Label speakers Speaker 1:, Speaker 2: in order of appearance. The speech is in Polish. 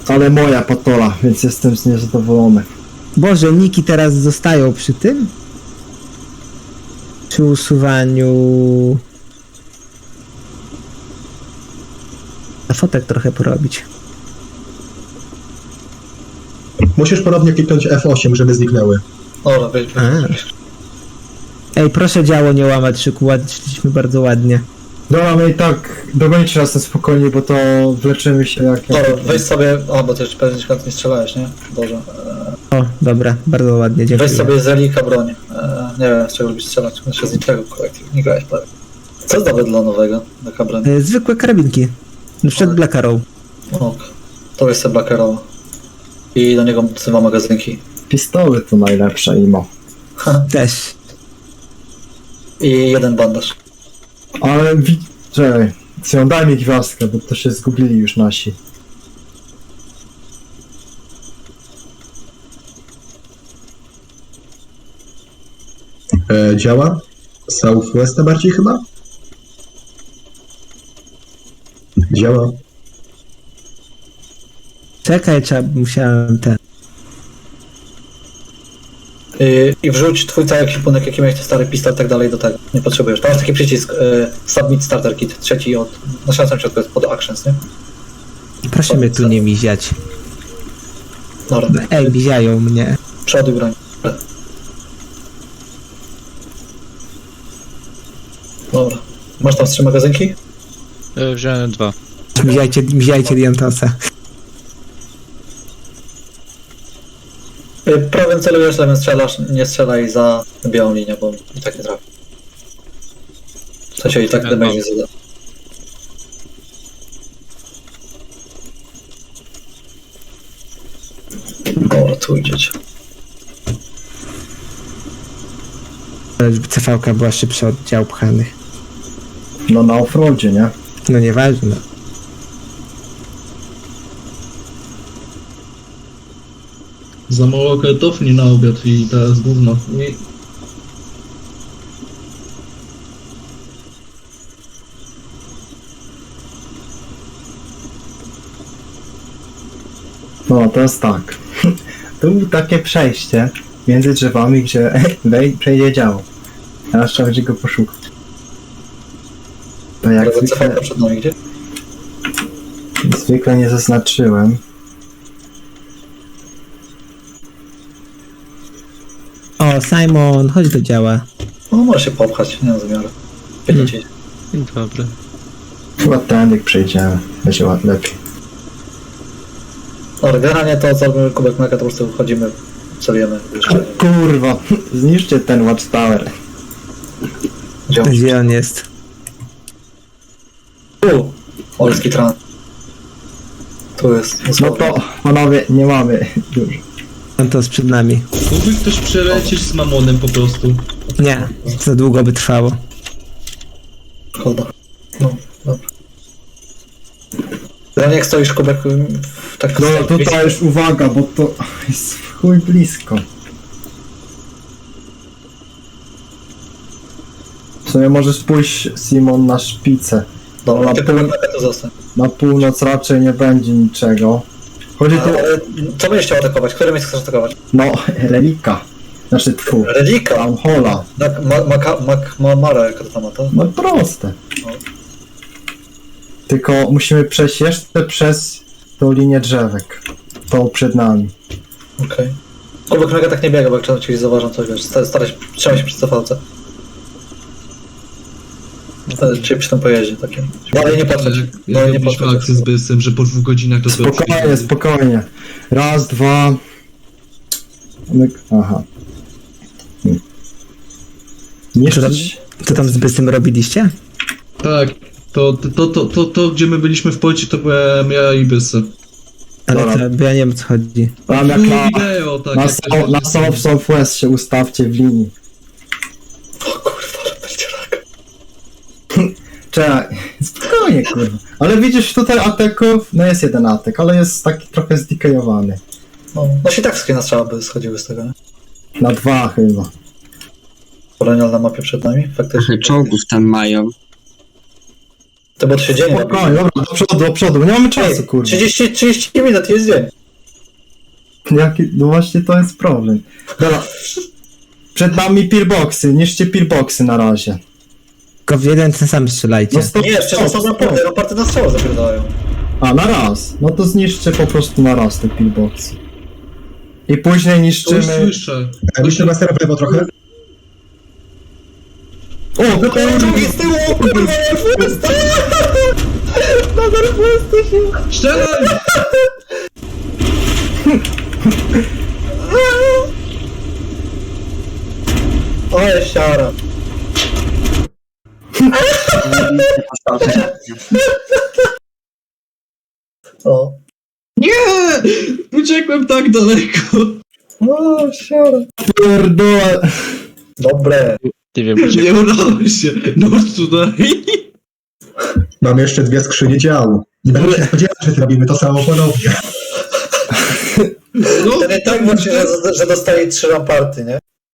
Speaker 1: Ale moja patola, więc jestem z niej zadowolony.
Speaker 2: Boże, niki teraz zostają przy tym? Przy usuwaniu... A fotek trochę porobić.
Speaker 3: Musisz ponownie kliknąć F8, żeby zniknęły.
Speaker 4: Dobra, wejdź.
Speaker 2: Ej, proszę działo nie łamać szyku, szliśmy bardzo ładnie.
Speaker 1: Dobra, my i tak dogonicie nas na spokojnie, bo to wleczymy się jak...
Speaker 4: Dobra, weź sobie... A, bo ty już pewnie nie strzelałeś, nie? Boże.
Speaker 2: O, dobra, bardzo ładnie, dziękuję.
Speaker 4: Weź sobie z relika broń. Nie wiem, z czego lubisz strzelać. Znaczy z niczego, nie grałeś prawie. Co jest dobre dla nowego? Taka broń?
Speaker 2: Zwykłe karabinki. Na przykład Black Arrow.
Speaker 4: Ok. To jest sobie Black Arrow. I do niego 2 magazynki.
Speaker 1: Pistoły to najlepsze imo.
Speaker 2: Też.
Speaker 4: I 1 bandaż.
Speaker 1: Ale czekaj, Sion, daj mi gwiazdkę, bo to się zgubili już nasi.
Speaker 3: Działa? Southwesta bardziej chyba? Działa.
Speaker 2: Czekaj, musiałem ten...
Speaker 4: I wrzuć twój cały ekwipunek, jaki miałeś, to stary pistolet i tak dalej do tego. Nie potrzebujesz. Tam jest taki przycisk Submit Starter Kit, trzeci od... Na samym środku jest pod Actions, nie?
Speaker 2: Proszę mnie tu nie miziać.
Speaker 4: Dobra.
Speaker 2: Ej, miziają mnie.
Speaker 4: Przoduj broń. Dobra. Masz tam 3 magazynki?
Speaker 5: Wziąłem 2.
Speaker 2: Miziajcie Diantosa.
Speaker 4: Prawym celujesz, lewym strzelasz, nie strzelaj za białą linię, bo i tak nie trafi. W sensie i tak damage nie zada. Dobra, tu idziecie.
Speaker 2: Żeby CV-ka była szybsza od dział pchanych.
Speaker 1: No na offroadzie, nie?
Speaker 2: No nieważne.
Speaker 6: Za mało kartofli na obiad i teraz gówno. I...
Speaker 1: No to jest tak. Tu było takie przejście między drzewami, gdzie przejdzie działo. Teraz trzeba będzie go poszukać. To jak
Speaker 4: Prawy
Speaker 1: zwykle,
Speaker 4: CV przed nami gdzie?
Speaker 1: zwykle nie zaznaczyłem.
Speaker 2: O, Simon, chodź do działa.
Speaker 4: No może się popchać, nie mam zamiaru. Pięknie ci.
Speaker 5: Dobra.
Speaker 1: Chyba tędy przejdziemy. Będzie lepiej.
Speaker 4: Dobra, generalnie to zrobimy kubek mleka, to po prostu wchodzimy, celujemy.
Speaker 1: Kurwa, zniszczcie ten Watchtower.
Speaker 2: Gdzie on jest?
Speaker 4: Tu! Olski tran. Tu jest.
Speaker 1: No to, panowie, nie mamy już.
Speaker 2: Diantos przed nami.
Speaker 6: Mógłby ktoś przelecieć z mamonem po prostu.
Speaker 2: Nie, za długo by trwało.
Speaker 4: Szkoda. No, dobra. Generalnie jak stoisz kubek tak...
Speaker 1: No tutaj już uwaga, bo to jest w chuj blisko. W sumie możesz pójść, Simon, na szpicę.
Speaker 4: Dobra,
Speaker 1: na
Speaker 4: ty kubek mleka to zostań.
Speaker 1: Na północ raczej nie będzie niczego. Chodzi tu...
Speaker 4: Ale co będziesz chciał atakować? Które miejsce chcesz atakować?
Speaker 1: No, relika. Znaczy tfu.
Speaker 4: Redika!
Speaker 1: Tam hola.
Speaker 4: Tak, Mara, jaka to tam ma to?
Speaker 1: No proste.
Speaker 4: No.
Speaker 1: Tylko musimy przejść jeszcze przez tą linię drzewek. Tą przed nami.
Speaker 4: Okej. Kubek mleka tak nie biega, bo jak czasem ci zauważam coś, wiesz, staraj się, trzymaj się przy cofalce. Czyli przy tym pojeździe takim. Dalej nie patrzeć.
Speaker 6: Jak
Speaker 4: Dalej nie
Speaker 6: robiliśmy
Speaker 4: patrzeć.
Speaker 6: akcję z Bysem, że po 2 godzinach to
Speaker 1: Spokojnie, spokojnie. Raz, dwa... Aha. Niszczyć.
Speaker 2: Co tam z Bysym robiliście?
Speaker 6: Tak, to gdzie my byliśmy w Polsce, to byłem ja i Bysy.
Speaker 2: Ale
Speaker 1: Dobra.
Speaker 2: to, bo ja nie wiem o co chodzi.
Speaker 1: Tam jak
Speaker 6: Było
Speaker 1: na...
Speaker 6: wideo, tak.
Speaker 1: Na,
Speaker 6: jak
Speaker 1: so, na Southwest się ustawcie w linii.
Speaker 4: O kurwa, ale będzie rak.
Speaker 1: Czekaj, spokojnie kurwa. Ale widzisz tutaj ateków, no jest jeden atek, ale jest taki trochę zdikajowany.
Speaker 4: No się tak wszystkie na strzała by schodziły z tego, nie?
Speaker 1: Na 2 chyba.
Speaker 4: Kolonial na mapie przed nami, faktycznie.
Speaker 7: Czołgów tam mają.
Speaker 4: To bo 3 dzień.
Speaker 1: Spokojnie, dobra, do przodu, nie mamy czasu, kurwa.
Speaker 4: 30 minut jest dzień.
Speaker 1: No właśnie to jest problem. Dobra. Przed nami pillboxy, niszcie pillboxy na razie.
Speaker 2: Tylko w jeden ten sam strzelajcie.
Speaker 1: No stop,
Speaker 4: Nie, jeszcze są raporty na strzał zapierdalają.
Speaker 1: A, na raz. No to zniszczcie po prostu na raz te pillboxy. I później
Speaker 6: To już
Speaker 1: niszczymy...
Speaker 6: słyszę.
Speaker 3: Myślę Mastera w lewo trochę.
Speaker 1: O,
Speaker 4: Drugi z tyłu, o kurwa, Northwest! Na Northwestie się...
Speaker 6: Strzelaj!
Speaker 4: Ale siara. O.
Speaker 6: Nie! Uciekłem tak daleko.
Speaker 4: O, siara.
Speaker 1: pierdolę.
Speaker 4: Dobre.
Speaker 5: Nie wiem,
Speaker 6: Nie udało się. No tutaj.
Speaker 3: Mamy jeszcze 2 skrzynie działu. Nie będę się spodziewał, że zrobimy to samo ponownie.
Speaker 6: No,
Speaker 4: To nie tak właśnie, że dostaje 3 raporty, nie?